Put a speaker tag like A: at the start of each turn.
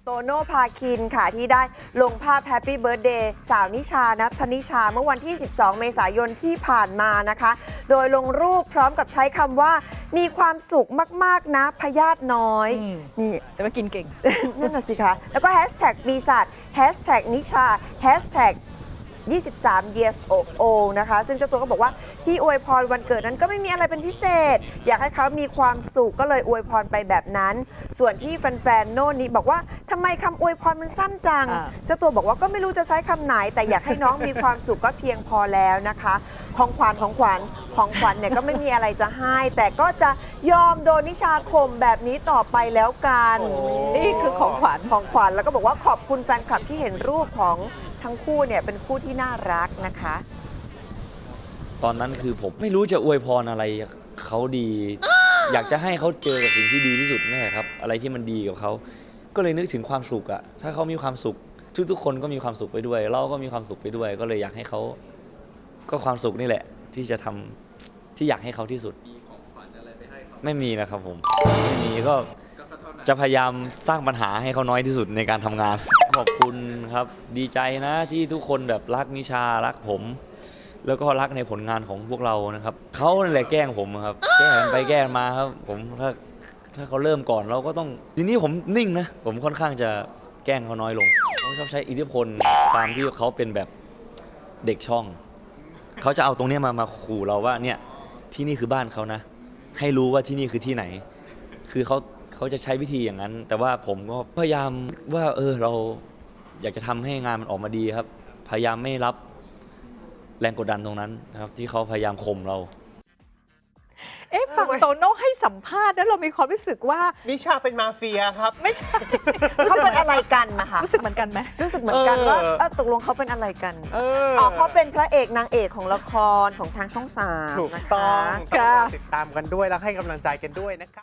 A: โตโน่พาคินค่ะที่ได้ลงภาพแฮปปี้เบิร์ a เดย์สาวนิชานัทธนิชาเมื่อวันที่ 12 เมษายนที่ผ่านมานะคะ โดยลงรูปพร้อมกับใช้คำว่ามีความสุขมากๆนะพยาธิน้อยนี่
B: แต่ว่ากินเก่ง
A: นั่นน่ะสิคะ แล้วก็แฮชแท็กปีศาจแฮชแท็กนิชาแฮชแท็ก23 years old นะคะ ซึ่งเจ้าตัวก็บอกว่าที่อวยพรวันเกิดนั้นก็ไม่มีอะไรเป็นพิเศษ อยากให้เขามีความสุขก็เลยอวยพรไปแบบนั้น ส่วนที่แฟนๆโน่นนี้บอกว่าทำไมคำอวยพรมันสั้นจัง เจ้าตัวบอกว่าก็ไม่รู้จะใช้คำไหน แต่อยากให้น้องมีความสุขก็เพียงพอแล้วนะคะ ของขวัญเนี่ยก็ไม่มีอะไรจะให้ แต่ก็จะยอมโดนนิชาข่มแบบนี้ต่อไปแล้วกัน
B: นี่คือของขวัญ
A: แล้วก็บอกว่าขอบคุณแฟนคลับที่เห็นรูปของทั้งคู่เนี่ยเป็นคู่ที่น่ารักนะคะ
C: ตอนนั้นคือผมไม่รู้จะอวยพรอะไรเขาดี อยากจะให้เขาเจอกับสิ่งที่ดีที่สุดนั่นแหละครับอะไรที่มันดีกับเขาก็เลยนึกถึงความสุขอะถ้าเขามีความสุขทุกๆคนก็มีความสุขไปด้วย เราก็มีความสุขไปด้วย ก็เลยอยากให้เขาก็ความสุขนี่แหละ ที่จะทำที่อยากให้เขาที่สุดไม่มีนะครับผมไม่มีก็จะพยายามสร้างปัญหาให้เขาน้อยที่สุดในการทำงาน ขอบคุณครับดีใจนะที่ทุกคนแบบรักนิชารักผม แล้วก็รักในผลงานของพวกเรานะครับเขานั่นแหละแกล้งผมครับแกล้งกันไปแกล้งมาครับผมถ้าเขาเริ่มก่อนเราก็ต้องทีนี้ผมนิ่งนะผมค่อนข้างจะแกล้งเขาน้อยลงเขาชอบใช้อิทธิพลตามที่เขาเป็นแบบเด็กช่องเขาจะเอาตรงนี้มาขู่เราว่าเนี่ยที่นี่คือบ้านเขานะให้รู้ว่าที่นี่คือที่ไหนคือเขาจะใช้วิธีอย่างนั้นแต่ว่าผมก็พยายามว่าเราอยากจะทำให้งานมันออกมาดีครับพยายามไม่รับแรงกดดันตรงนั้นนะครับที่เขาพยายามข่มเรา
B: ฝั่งโตโน่ให้สัมภาษณ์แล้วเรามีความรู้สึกว่า
D: นิชาเป็นมาเฟียครับ
B: ไม่ใช่
A: เขาเป็นอะไรกันนะคะ
B: รู้สึกเหมือนกันไหม
A: รู้สึกเหมือนกันว่าตกลงเขาเป็นอะไรกัน เขาเป็นพระเอกนางเอกของละครของทางช่อง 3
D: ถูก
A: นะคะ
D: ต้องติดตามกันด้วยแล้วให้กำลังใจกันด้วยนะครับ